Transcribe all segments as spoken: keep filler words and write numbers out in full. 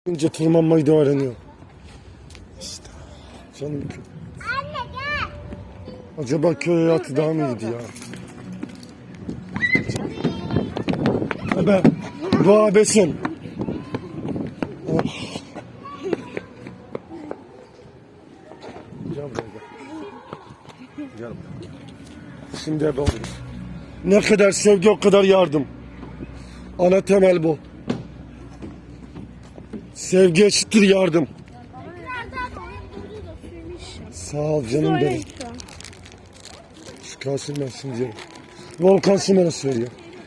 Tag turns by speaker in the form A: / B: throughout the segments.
A: Önce tırmanmayı da öğreniyor. İşte canım.
B: Anne gel.
A: Acaba köy hayatı daha mı iyiydi ya? Ebe, doğa besin. Oh. Gel buraya gel. Gel buraya. Şimdi ebe olur. Ne kadar sevgi o kadar yardım. Ana temel bu. Sevgi eşittir yardım. Sağ ol canım benim. Şu kalsın ben şimdi yerim. Volkan Sümer'e söylüyor.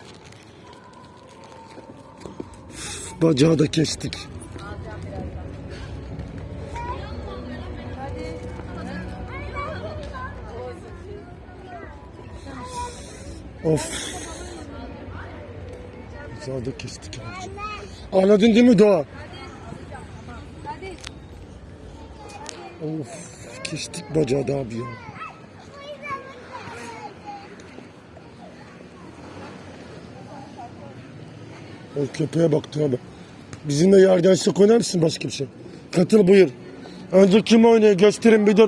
A: Bacağı da kestik. Of. Bacağı da kestik. Anladın değil mi Doğa? Of, kestik bacağı da abi ya. O köpeğe baktı abi. Bizimle yerden sık oynar mısın başka bir şey? Katıl buyur. Önce kim oynuyor gösterin bir dur.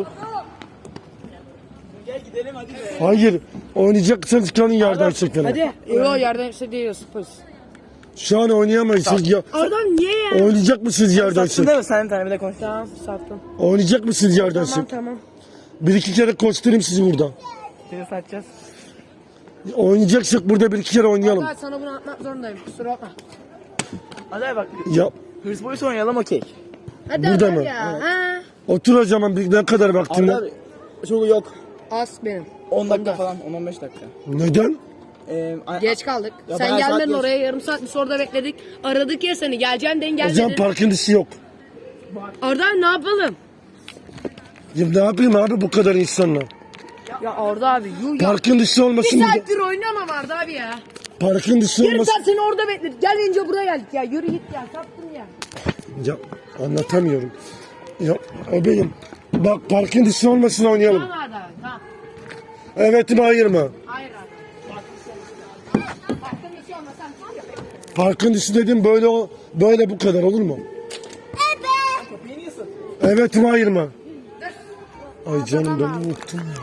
C: Gel gidelim hadi be.
A: Hayır. Oynayacaksanız çıkalım yerden sık.
C: Hadi. Yok yerden işte değil sıfır.
A: Şu an oynayamayız. Siz ya...
C: Oradan niye ya?
A: Oynayacak mısınız yerden
C: Sattın
A: sık?
C: değil mi? Sen bir tane bir de konuş. Tamam sattım.
A: Oynayacak mısınız yerden
C: Tamam
A: sık?
C: tamam.
A: Bir iki kere koşturayım sizi burada.
C: Seni satacağız.
A: Oynayacaksak burada bir iki kere oynayalım.
C: Hadi sana bunu atmak zorundayım. Kusura bakma. Hadi bak.
A: Ya
C: Hırs boyusu oynayalım okey. Hadi
A: Burada
C: hadi
A: mı?
C: ya. Ha.
A: otur o zaman bir ne kadar vaktin var?
C: Abi çok yok. Az benim.
D: on dakika falan, on on beş dakika.
A: Neden?
D: Ee, a-
C: Geç kaldık.
D: Ya
C: Sen
D: bayağı saat
C: gelmedin
D: geç.
C: oraya yarım saat biz orada bekledik. Aradık ya seni. Geleceğim den
A: O zaman
C: gelmedin.
A: parkın dışı yok.
C: Arda ne yapalım?
A: Ya ne yapayım abi bu kadar insanla?
C: Ya Arda abi yuh ya.
A: Parkın dışı
C: Bir
A: olmasın burada.
C: saattir oynamam Arda abi ya.
A: Parkın dışı
C: Yarım
A: olmasın.
C: saat seni orada bekledik. Gelince buraya geldik ya. Yürü git ya. Sattın ya.
A: Ya anlatamıyorum. Ya abeyim. Bak parkın dışı olmasın oynayalım.
C: Tamam Arda abi tamam.
A: Evet mi hayır mı?
C: Hayır Arda. Baktım bir şey olmasam tamam ya.
A: Parkın dışı dedim böyle o böyle bu kadar olur mu?
D: Kapıyı niye satıyorsun?
A: Evet mi hayır mı? Ay canım ben unuttum ya.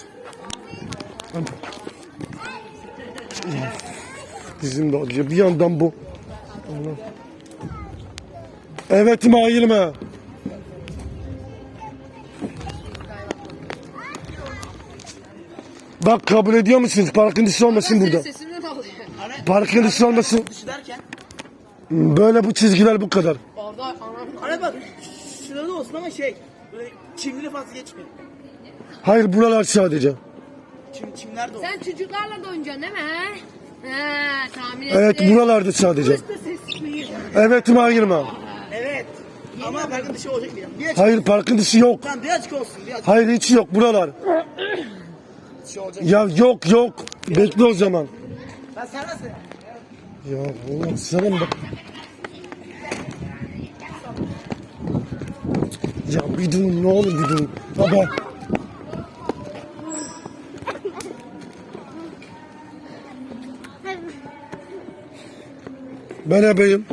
A: Bizim de acıyor. Bir yandan bu. Allah. Evet mi hayır mı? Bak kabul ediyor musunuz? Parkın dışı olmasın burada.
C: Sesimden alıyor.
A: Parkın dışı olmasın.
D: Dışı derken?
A: Böyle bu çizgiler bu kadar.
C: Arda anam.
D: Ana bak, şurada olsun ama şey, böyle çimleri fazla geçmeyin.
A: Hayır buralar sadece.
D: Çim, çimler de olsun.
C: Sen çocuklarla da oynayacaksın değil mi he? He tahmin ettim.
A: Evet buralarda sadece.
C: Usta sesini.
A: Evet mi hayır mı?
D: Evet. Ama parkın dışı olacak bir yer. Bir açık.
A: Hayır parkın dışı yok.
D: Tamam bir açık olsun, bir açık
A: Hayır hiç yok buralar.
D: dışı olacak.
A: Ya yok yok. Bekle o zaman.
D: Ben sen nasıl?
A: Ya Allah sana bak. Ya bir durun ne olur bir durun. Baba. Ben ebeyim.